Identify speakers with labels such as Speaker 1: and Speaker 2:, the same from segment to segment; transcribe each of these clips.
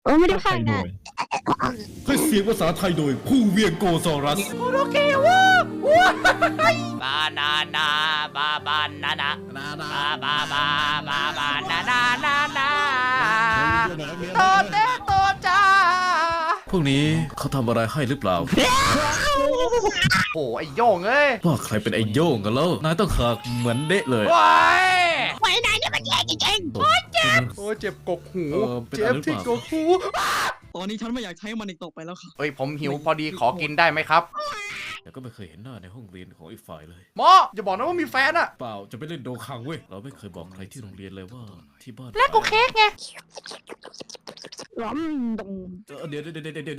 Speaker 1: โอ้ไม่ได้พังนะ
Speaker 2: ให้เสียงภาษาไทยโดยผู้เวียงโกซอรัส
Speaker 3: โอเควะบานานาบาบานานาบาบาบาบาบานานานานาโตเตโตจ้า
Speaker 2: พวกนี้เขาทำอะไรให้หรือเปล่า
Speaker 3: โอ้ไอโย่งเอ้ย
Speaker 2: ว่าใครเป็นไอ้โย่งกันแล้วนายต้องขากเหมือนเดะเลย
Speaker 3: ว้าย
Speaker 1: ไว้นายเนี่ยมันแย่จริง
Speaker 3: โอ้ยเจ็บกกหูเจ็บที่กกหู
Speaker 4: ตอนนี้ฉันไม่อยากใช้มันอีกต่อไปแล้วค่ะ
Speaker 3: เอ้ยผมหิวพอดีขอกินได้ไหมครับ
Speaker 2: แต่ก็ไม่เคยเห็นหน้าในห้องเรียนของอีกฝ่ายเลย
Speaker 3: หมออย่าบอกนะว่ามีแฟนอะ
Speaker 2: เปล่าจะไปเล่นโดคังเว้ยเราไม่เคยบอกใครที่โรงเรียนเลยว่าที่บ้าน
Speaker 3: แลกกูเค้กไง
Speaker 1: ๆร้อมดง
Speaker 2: เดี๋ยว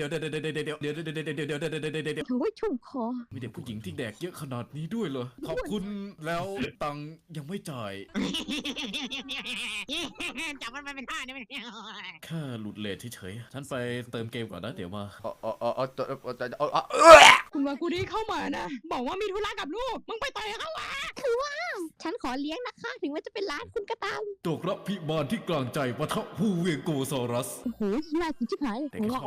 Speaker 1: โอ้ยชุ่มคอ
Speaker 2: มีเด็กผู้หญิงที่แดกเยอะขนาดนี้ด้วยเหรอขอบคุณแล้วตังค์ยังไม่จ่าย
Speaker 1: จับมันไปเป็นท่านี่มัน
Speaker 2: แค่หลุดเลทเฉยๆฉันไปเติมเกมก่อนนะเดี๋ยวมา
Speaker 4: คุณวากุดีเข้ามานะ บอกว่ามีธุระกับลูก มึงไปต่อยเขาวะ
Speaker 1: ฉันขอเลี้ยงนะคะ ถึงว่าจะเป็นร้านคุณก็ตาม
Speaker 2: ตกรับพิบาลที่กลางใจปะทะผู้เวียงโกซอรัส
Speaker 1: โอ้โหน่ากินชิบหาย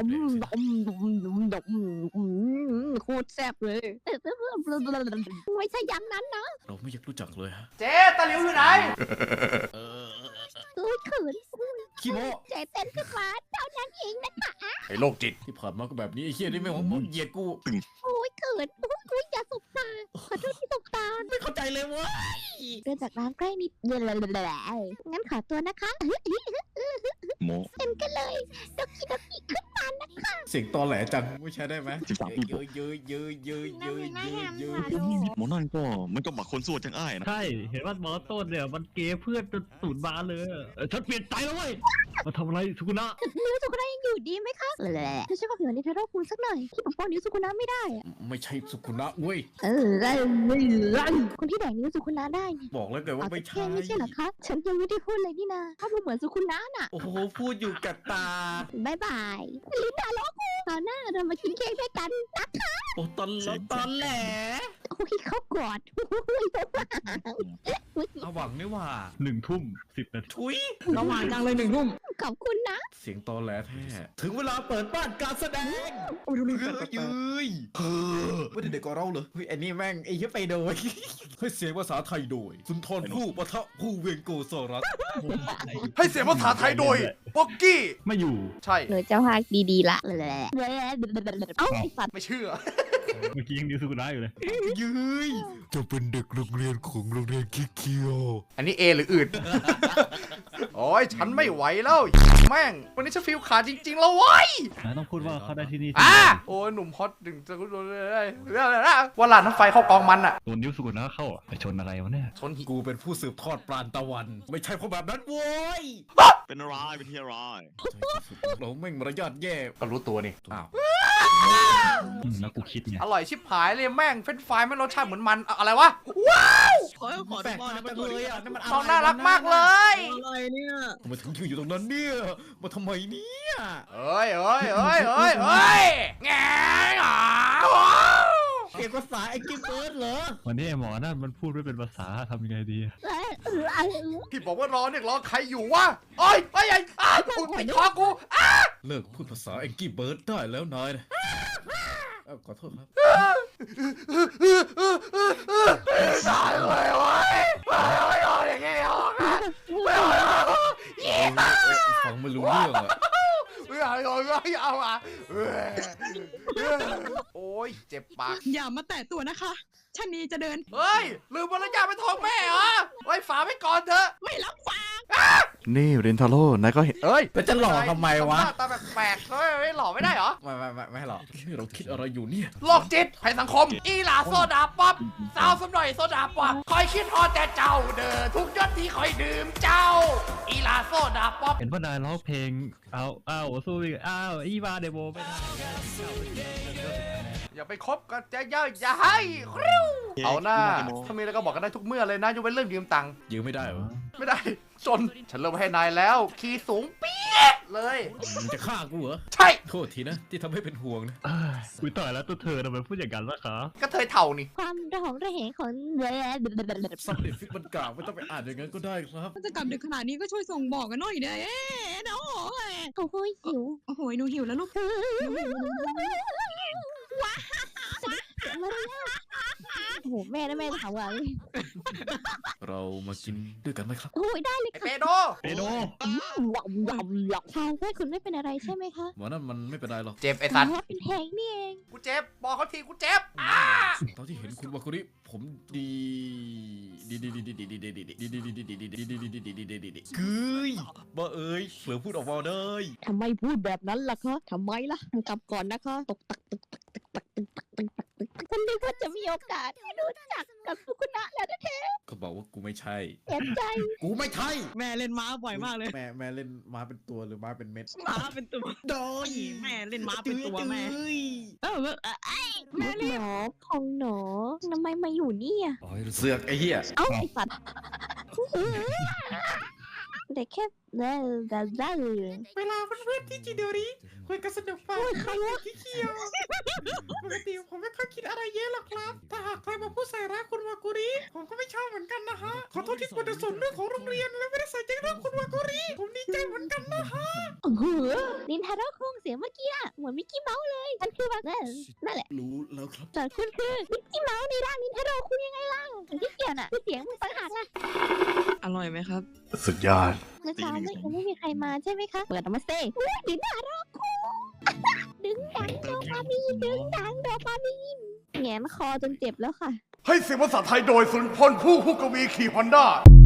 Speaker 1: โคตรแซ่บเลยไม่ใช่อย่างนั้นนะ
Speaker 2: เราไม่อยากรู้จักเลยฮะ
Speaker 3: เจ๊ตะหลิวอยู่ไหน
Speaker 1: โอ้ยเขิน
Speaker 2: ขี้โม
Speaker 1: ใจเต้นขึ้นมาเท่านั้นเองนะคะ
Speaker 3: ไอ้โรคจิต
Speaker 2: ที่ผ่านมาก็แบบนี้ไอ้เฮียนี่ไม่หวังเหยียดกู
Speaker 1: โอ้ยเขินโอ้ยอย่าสบตาขอโทษที่สบตา
Speaker 2: ไม่เข้าใจเลยว่า
Speaker 1: เดินจากร้านใกล้นิดงั้นขอตัวนะคะ
Speaker 5: โม
Speaker 1: เต็มกันเลยดอกกี้ขึ้นมานะคะ
Speaker 2: เสียงตอแหลจังไม่ใช่ได้ไหม
Speaker 5: 13ปี
Speaker 2: เยอะเยอะเยอะเยอะเยอะเยอะเยอะ
Speaker 5: โมนั่นก็มันก็บักคนสู้จังอ้ายนะ
Speaker 6: ใช่ เห็นว่าหมอต้นเนี่ยมันเกย์เพื่อนจนสูญบานเลยฉันเปลี่ยนใจแล้วเว้ย มาทำอะไรสุกุนะ
Speaker 1: นิ้วสุกุนะยังอยู่ดีไหมคะไม่ใช่ความผิดของนิทาโร่คุณสักหน่อยที่ปกป้องนิ้วสุกุนะไม่ได้อะ
Speaker 2: ไม่ใช่สุขุนะเว้ย
Speaker 1: คนที่แดกนิ้วสุกุนะได้เนี่ย
Speaker 2: บอกแล้วไงว่า
Speaker 1: เอา
Speaker 2: ไม่
Speaker 1: แต่
Speaker 2: ใช่
Speaker 1: แค่ไม่ใช่เหรอคะฉันยังไม่ได้พูดเลยนี่นาถ้าพูดเหมือนสุกุนะน่ะ
Speaker 2: โอ้โหพูดอยู่กับตา
Speaker 1: บายบายลินดาโลกูคราวหน้าเรามากินเค้กด้วยกันนะคะ
Speaker 2: โอ้ตอนแหล
Speaker 1: โอ้ยเขากอด
Speaker 2: เอาหวังนี่ว่า
Speaker 6: 1:10 นาที
Speaker 2: ทุย
Speaker 4: ระหว่างกลางเลย1 ทุ่ม
Speaker 1: ขอบคุณนะ
Speaker 2: เสียงตอแหลแท้ถึงเวลาเปิดบ้านการแสดง
Speaker 4: โอ้ยดูนี่
Speaker 2: เฮ้ยเฮ้ยไม่ได้เด็กกว่าเราเหรอเฮ้ยไอ้นี่แม่งไอ้เหี้ยไปโดยให้เสียงภาษาไทยโดย สุนทรภู่ปะทะผู้เวียงโกซอรัส
Speaker 3: ให้เสียงภาษาไทยโดยป๊อกกี้
Speaker 6: ไม่อยู่
Speaker 3: ใช่
Speaker 1: หนูจะพากดีๆละเอ้าไอ้สัตว์
Speaker 3: ไม่เชื่อ
Speaker 6: เมื่อกี้ยังดิวสุกุนะอยู่เลย
Speaker 2: ยืยจะเป็นเด็กโรงเรียนของโรงเรียนคิเคียว
Speaker 3: อันนี้เอหรืออื่น โอ้ยฉันไม่ไหวแล้วแม่ง วันนี้ฉันฟีลขาดจริงๆแล้วเว้ย
Speaker 6: นายต้องพูดว่าเขาได้ที่นี่
Speaker 3: โอ้ยหนุ่มฮอตดึงจะรู้เลยว่าหลานน้ำไฟเข้ากองมันอะ
Speaker 6: โดนดิวสุกุนะเข้าไปชนอะไรวะเนี่ย
Speaker 3: ชนหิ
Speaker 2: กูเป็นผู้สืบทอดปราณตะวัน ไม่ใช่เพราะแบบนั้นโว้ย
Speaker 5: เป็นอะไรเป็นที่อะไร
Speaker 2: เราแม่งมารยาทแย่
Speaker 3: ก็รู้ตัวนี่
Speaker 2: อ้าว
Speaker 6: แล้วกูคิดไง
Speaker 3: อร่อยชิบหายเลยแม่งเฟรนช์ฟรายไม่รสชาติเหมือนมันอะไรวะ ว้าว
Speaker 4: ขอดูบ้านนะมันเลยอ่ะ
Speaker 3: น้องน่ารักมากเลย
Speaker 4: อะไรเนี่ย
Speaker 2: ทำไมถึงอยู่ตรงนั้นเนี่ยมาทำไมเนี่ย
Speaker 3: เอ้ยแง่หา
Speaker 2: เอกภาษาไอ้กิ๊บเบิร์ดเหรอ
Speaker 6: วันนี้ไอ้หมอนั่นมันพูดไม่เป็นภาษาทำยังไงดี
Speaker 3: พี่บอกว่ารอเนี่ยรอใครอยู่วะโอ้ยไปไอ้ปิดคอกู
Speaker 2: เลิกพูดภาษาไอ้กิ๊บเบิร์ดได้แล้วนายนะขอโทษครับ
Speaker 3: ตายเลยเว้ยไม่รออย่างเงี้ยหรอกนะไม่รอ
Speaker 2: ฟังไม่รู้เรื่องอ่ะ
Speaker 3: ไม่เอาอ่ะโอ้ยเจ็บปาก
Speaker 4: อย่ามาแตะตัวนะคะชะนีจะเดิน
Speaker 3: เฮ้ยลืมมารยาทเป็นทองแม่เหรอไว้ฝาไว้ก่อนเถอะ
Speaker 4: ไม่รับฟัง
Speaker 5: นี่เรนทาโร่นายก็เห็น
Speaker 3: เอ้ย
Speaker 2: แล้วจะหลอกทำไมวะ
Speaker 3: ตาแปลกๆไม่หล่อไม่ได้เหรอ
Speaker 2: ไม่หรอกนี่เราคิดอะไรอยู่เนี่ย
Speaker 3: โรคจิตภัยสังคม อีหลาโซดาป๊อปสาวสมหน่อยโซดาป๊อปคอยคิดฮอดแต่เจ้าเด้อทุกยศที่คอยดื่มเจ้า อีหลาโซดาป๊อป
Speaker 6: เห็นว่านายร้องเพลงอ้าวสู้อีกอ้าวอีวาเดโบไม่ได้
Speaker 3: อย่าไปคบกันจะเยอะอย่าให้คริ้วเอาหน้าถ้ามีอะไรก็บอกกันได้ทุกเมื่อเลยนะยกเว้นเรื่องยืมตังค์
Speaker 2: ยืมไม่ได้เหรอ
Speaker 3: ไม่ได้จนฉันเลิกให้นายแล้ว คีย์สูงปี๊ดเลย
Speaker 2: มึงจะฆ่ากูเหรอ
Speaker 3: ใช่
Speaker 2: โทษทีนะที่ทำให้เป็นห่วงนะ
Speaker 6: คุยต่อยแล้วตัวเธอทำไมพูดอย่างนั้นล่ะคะ
Speaker 3: ก็เธอเถ่านี่
Speaker 1: ความระหองระแหงของ
Speaker 2: ซับเด็ดฟิกมันกล่าวไม่ต้องไปอ่านอย่างนั้นก็ได้ครับ
Speaker 4: ถ้าจะกลับดึกขนาดนี้ก็ช่วยส่งบอกกันหน่อยเด้เนาะ
Speaker 1: โอ้โหหิว
Speaker 4: โอ้โหหนูหิวแล้วลูก
Speaker 1: โอ้โหแม่นะแม่ถามว่า
Speaker 2: เรามากินด้วยกันไหมครับ
Speaker 1: โอ้ยได้เลย
Speaker 3: ไอ
Speaker 1: ค่ะ
Speaker 3: เปโด
Speaker 6: เปโด
Speaker 1: ทางแม่คุณไม่เป็นอะไรใช่ไหมคะ
Speaker 2: หมอนั่นมันไม่เป็นไรหรอก
Speaker 3: เจ็บไอ้สัตว์
Speaker 1: อ๋อเป็นแทงนี่เอง
Speaker 3: กูเจ็บบอกเขาทีกูเจ็บ
Speaker 2: ตอนที่เห็นคุณวาคุริผมดีกึยบ้าเอ้ยเผลอพูดออกมาได้
Speaker 1: ทำไมพูดแบบนั้นล่ะคะทำไมล่ะกลับก่อนนะคะตกตักตึกตักตึกตักตึกตักตึกตักตึกฉันนึกว่าจะมีโอกาสได้รู้จักกับฟุกุนะแล้วนะเธอ
Speaker 2: เขาบอกว่ากูไม่ใช่
Speaker 1: เสียใจ
Speaker 2: กูไม่ใช่
Speaker 4: แม่เล่นม้าบ่อยมากเลย
Speaker 2: แม่เล่นม้าเป็นตัวหรือม้าเป็นเม็ด
Speaker 4: ม้าเป็นตัว
Speaker 2: โดย
Speaker 4: แม่เล่นม้าเป็นตัวแม่เออแม่
Speaker 1: ลูก
Speaker 4: เล่น
Speaker 1: หนอของหนอทำไมมาอยู่นี่อ่ะ
Speaker 2: โอ้ยเสือกไอ้เหี้ย
Speaker 1: เอ้าไอ้สัตว์แต่แค่ได้เลย
Speaker 2: เวลาเพื่อนๆที่จิโดริคุยกันสนุกไป
Speaker 1: โอ้ยใครวะ
Speaker 2: ที่เคียวปกติผมไม่ค่อยคิดอะไรเยอะหรอกครับถ้าหากใครมาพูดใส่ร้ายคุณวากุริผมก็ไม่ชอบเหมือนกันนะฮะขอโทษที่คุณจะสนเรื่องของโรงเรียนและไม่ได้ใส่ใจเรื่องคุณวากุริผมดีใจเหมือนกันนะฮะ
Speaker 1: โอ้โหนินทาโร่คงเสียงเมื่อกี้อะเหมือนมิกกี้เมาส์เลยมันคือแบบนั่นแหละ
Speaker 2: รู้แล้วครับ
Speaker 1: แต่คุณคือมิกกี้เมาส์ในร่างนินทาโร่คุณยังไงล่ะที่เกี่ยวน่ะคือเสียงมันต่างหากล่ะ
Speaker 4: อร่อยไหมครับ
Speaker 5: สุดยอด
Speaker 1: เมื่อเช้าไม่มีใครมาใช่ไหมคะเปิดออกมาเซ่นินทาโร่คุณดึงดังโดปามีนดึงดังโดปามีนแงนคอจนเจ็บแล้วค่ะ
Speaker 7: ให้เสียงภาษาไทยโดยสุนพลผู้กวีขี่ฮอนด้า